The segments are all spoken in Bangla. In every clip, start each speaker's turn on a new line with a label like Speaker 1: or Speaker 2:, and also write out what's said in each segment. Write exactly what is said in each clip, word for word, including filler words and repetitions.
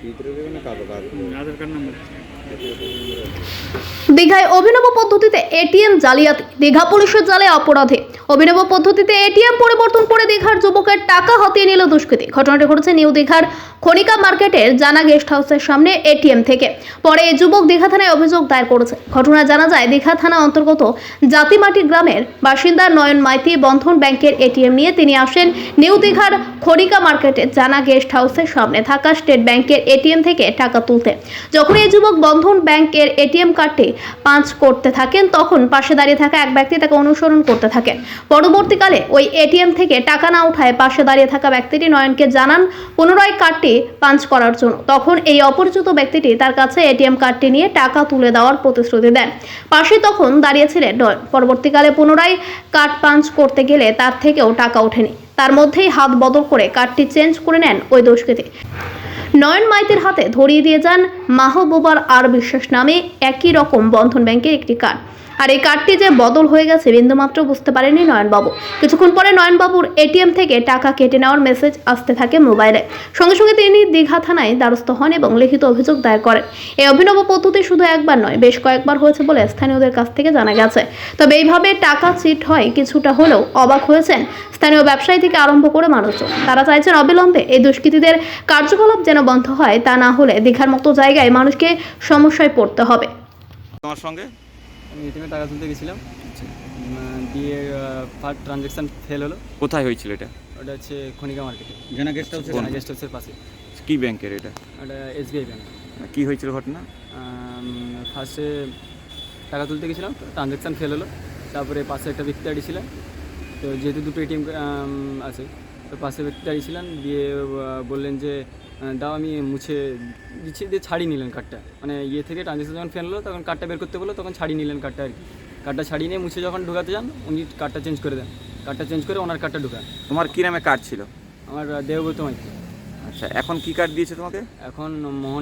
Speaker 1: দীঘায় অভিনব পদ্ধতিতে এটিএম জালিয়াতি, দীঘা পুলিশের জালে অপরাধী। অভিনব পদ্ধতিতে এটিএম পরিবর্তন করে দীঘার যুবকের টাকা হাতিয়ে নিল দুষ্কৃতী। ঘটনাটি ঘটেছে নিউ দীঘার খনিকা মার্কেটের জানা গেস্ট হাউসের সামনে এটিএম থেকে। পরে এই যুবক দীঘা থানায় অভিযোগ দায়ের করেছে। ঘটনায় জানা যায়, দীঘা থানা অন্তর্গত জাতিমাটি গ্রামের বাসিন্দা নয়ন মাইতি বন্ধন ব্যাংকের এটিএম নিয়ে তিনি আসেন নিউ দীঘার খনিকা মার্কেটের জানা গেস্ট হাউসের সামনে থাকা স্টেট ব্যাংকের এটিএম থেকে টাকা তুলতে। যখন এই যুবক বন্ধন ব্যাংকের এটিএম কার্ডটি পাঞ্চ করতে থাকেন, তখন পাশে দাঁড়িয়ে থাকা এক ব্যক্তি তাকে অনুসরণ করতে থাকেন। পরবর্তীকালে ওই এটিএম থেকে টাকা না উঠায় পাশে দাঁড়িয়ে থাকা ব্যক্তিটি নয়নকে জানান পুনরায় কার্ডটি পাঞ্চ করার জন্য। তখন এই অপরিচিত ব্যক্তিটি তার কাছে এটিএম কার্ডটি নিয়ে টাকা তুলে দেওয়ার প্রতিশ্রুতি দেন। পাশে তখন দাঁড়িয়েছিলেন নয়ন। পরবর্তীকালে পুনরায় কার্ড পাঞ্চ করতে গেলে তার থেকেও টাকা ওঠেনি। তার মধ্যেই হাত বদল করে কার্ডটি চেঞ্জ করে নেন ওই দুষ্কৃতী। নয়ন মাইতির হাতে ধরিয়ে দিয়ে যান মাহবুবার আর বিশ্বাস নামে একই রকম বন্ধন ব্যাংকের একটি কার্ড। আর এই কার্ডটি যে বদল হয়ে গেছে বিন্দুমাত্র বুঝতে পারেনি নয়নবাবু। কিছুক্ষণ পরে নয়নবাবুর এটিএম থেকে টাকা কেটে নেওয়ার মেসেজ আসতে থাকে মোবাইলে। সঙ্গে সঙ্গে তিনি দীঘা থানায় দ্বারস্থ হন এবং লিখিত অভিযোগ দায়ের করেন। এই অভিনব পদ্ধতি শুধু একবার নয়, বেশ কয়েকবার হয়েছে বলে স্থানীয়দের কাছ থেকে জানা গেছে। তবে এইভাবে টাকা চিট হয় কিছুটা হলেও অবাক হয়েছেন স্থানীয় ব্যবসায়ী থেকে আরম্ভ করে মানুষজন। তারা চাইছেন অবিলম্বে এই দুষ্কৃতীদের কার্যকলাপ যেন বন্ধ হয়, তা না হলে দীঘার মতো জায়গায় মানুষকে সমস্যায় পড়তে হবে।
Speaker 2: তোমার সঙ্গে
Speaker 3: আমি এটিএমে টাকা তুলতে গেছিলাম, দিয়ে ফার্স্ট ট্রানজ্যাকশান ফেল হলো।
Speaker 2: কোথায় হয়েছিল এটা?
Speaker 3: ওটা হচ্ছে খনিকা মার্কেটে,
Speaker 4: জানা গেস্ট হাউস।
Speaker 3: জানা গেস্ট হাউসের পাশে।
Speaker 2: কি ব্যাংকের এটা?
Speaker 3: ওটা এসবিআই ব্যাংক।
Speaker 2: কি হয়েছিল ঘটনা?
Speaker 3: ফার্স্টে টাকা তুলতে গেছিলাম, ট্রানজ্যাকশান ফেল হলো। তারপরে পাশে একটা ব্যক্তি দাঁড়িয়েছিলেন, তো যেহেতু দুটো এটিএম আছে, তো পাশে ব্যক্তি দাঁড়িয়েছিলেন, দিয়ে বললেন যে দাও আমি মুছে দিচ্ছি, দিয়ে ছাড়িয়ে নিলেন কার্ডটা। মানে ইয়ে থেকে ট্রানজ্যাকশন যখন ফেল হলো তখন কার্ডটা বের করতে বললো, তখন ছাড়িয়ে নিলেন কার্ডটা আর কি। কার্ডটা ছাড়িয়ে নিয়ে মুছে যখন ঢুকাতে যান, উনি কার্ডটা চেঞ্জ করে দেন। কার্ডটা চেঞ্জ করে ওনার কার্ডটা ঢুকান।
Speaker 2: তোমার কি নামে কার্ড ছিল?
Speaker 3: আমার দেবব্রত মাইতি।
Speaker 2: আচ্ছা, এখন কি কার্ড দিয়েছে তোমাকে?
Speaker 3: এখন মোহন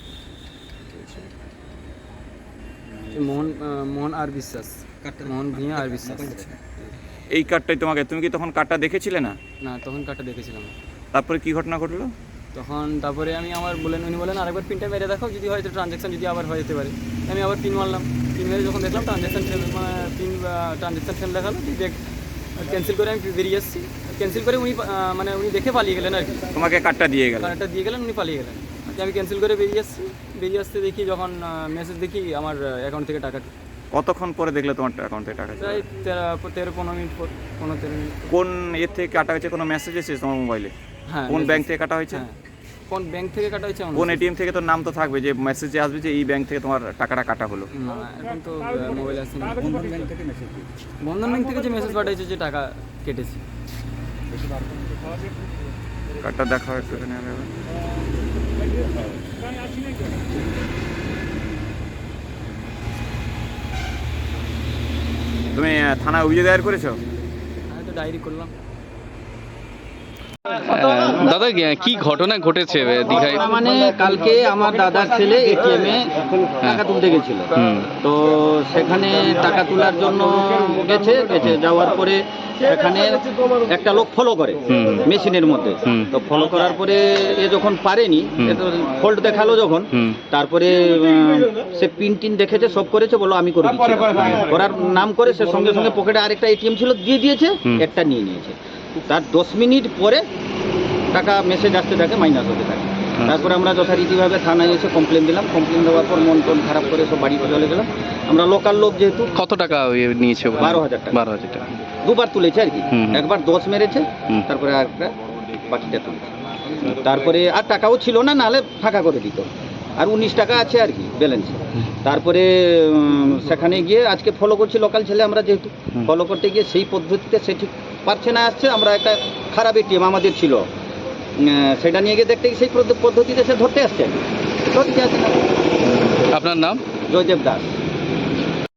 Speaker 3: মোহন মোহন আর বিশ্বাস, মোহন ভিয়া আর বিশ্বাস।
Speaker 2: এই কার্ডটাই তোমাকে, তুমি কি তখন কার্ডটা দেখেছিলে না?
Speaker 3: না, তখন কার্ডটা দেখেছিলাম।
Speaker 2: তারপরে কি ঘটনা ঘটলো
Speaker 3: তখন? তারপরে আমি আমার বলেন উনি বলেন আরেকবার পিনটা মেরে দেখো, যদি হয়তো ট্রানজ্যাকশান যদি আবার হয়ে যেতে পারে। আমি আবার পিন মারলাম। পিন মেরে যখন দেখলাম ট্রানজ্যাকশান ফেল, মানে পিন ট্রানজ্যাকশান ফেল দেখালো, দেখ ক্যান্সেল করে আমি বেরিয়ে এসেছি। ক্যান্সেল করে উনি মানে উনি দেখে পালিয়ে গেলেন আর কি।
Speaker 2: তোমাকে কার্ডটা দিয়ে গেলেন?
Speaker 3: কার্ডটা দিয়ে গেলেন, উনি পালিয়ে গেলেন। আমি ক্যান্সেল করে বেরিয়ে আসছি। বেরিয়ে আসতে দেখি যখন মেসেজ দেখি আমার অ্যাকাউন্ট থেকে টাকা।
Speaker 2: কতক্ষণ পরে দেখলে তোমার অ্যাকাউন্ট থেকে টাকা?
Speaker 3: প্রায় তেরো তেরো পনেরো মিনিট পর, পনেরো তেরো মিনিট।
Speaker 2: কোন এর থেকে কাটা হয়েছে? কোনো মেসেজ এসেছে তোমার মোবাইলে?
Speaker 3: হ্যাঁ।
Speaker 2: কোন ব্যাংক থেকে কাটা হয়েছে?
Speaker 3: হ্যাঁ। কোন ব্যাংক থেকে কাটা হয়েছে?
Speaker 2: কোন এটিএম থেকে? তোর নাম তো থাকবে, যে মেসেজে আসবে যে এই ব্যাংক থেকে তোমার টাকাটা কাটা হলো।
Speaker 3: না, এখন তো মোবাইল আসেনি।
Speaker 4: বন্ধন ব্যাংক থেকে মেসেজ
Speaker 3: বন্ধন ব্যাংক থেকে যে মেসেজ পাঠিয়েছে যে টাকা কেটেছি।
Speaker 2: কার্ডটা দেখা একটু এখানে। তুমি থানায় অভিযোগ দায়ের করেছো?
Speaker 3: আমি তো ডায়েরি করলাম।
Speaker 5: দাদা, কি ঘটনা ঘটেছে দীঘায়?
Speaker 4: মানে কালকে আমার দাদার ছেলে এটিএম এ টাকা তুলতে গেছিল, তো সেখানে টাকা তোলার জন্য গেছে গেছে যাওয়ার পরে সেখানে একটা লোক ফলো করে মেশিনের মধ্যে। তো ফলো করার পরে এ যখন পারেনি, ফল্ট দেখালো যখন, তারপরে সে পিন টিন দেখেছে, সব করেছে, বললো আমি করে দিচ্ছি। করার নাম করে সে সঙ্গে সঙ্গে পকেটে আরেকটা এটিএম ছিল দিয়ে দিয়েছে, একটা নিয়ে নিয়েছে। তার দশ মিনিট পরে টাকা মেসেজ আসতে থাকে, মাইনাস হতে থাকে। তারপরে আমরা যথারীতিভাবে থানায় এসে কমপ্লেন দিলাম। কমপ্লেন দেওয়ার পর মন টন খারাপ করে সব বাড়িতে চলে গেলাম। আমরা লোকাল লোক যেহেতু।
Speaker 5: কত টাকা নিয়েছে?
Speaker 4: বারো হাজার টাকা।
Speaker 5: বারো হাজার টাকা
Speaker 4: দুবার তুলেছে আর কি। একবার দশ মেরেছে, তারপরে আর একটা বাকিটা তুলেছে। তারপরে আর টাকাও ছিল না, নাহলে ফাঁকা করে দিত। আর উনিশ টাকা আছে আর কি ব্যালেন্স। তারপরে সেখানে গিয়ে আজকে ফলো করছি, লোকাল ছেলে আমরা যেহেতু, ফলো করতে গিয়ে সেই পদ্ধতিতে সে ঠিক পারছে না, আসছে। আমরা একটা খারাপ এটিএম আমাদের ছিল, সেটা নিয়ে গিয়ে দেখতে গিয়ে সেই পদ্ধতিতে সে ধরতে আসছে।
Speaker 5: আপনার নাম?
Speaker 4: জয়দেব দাস।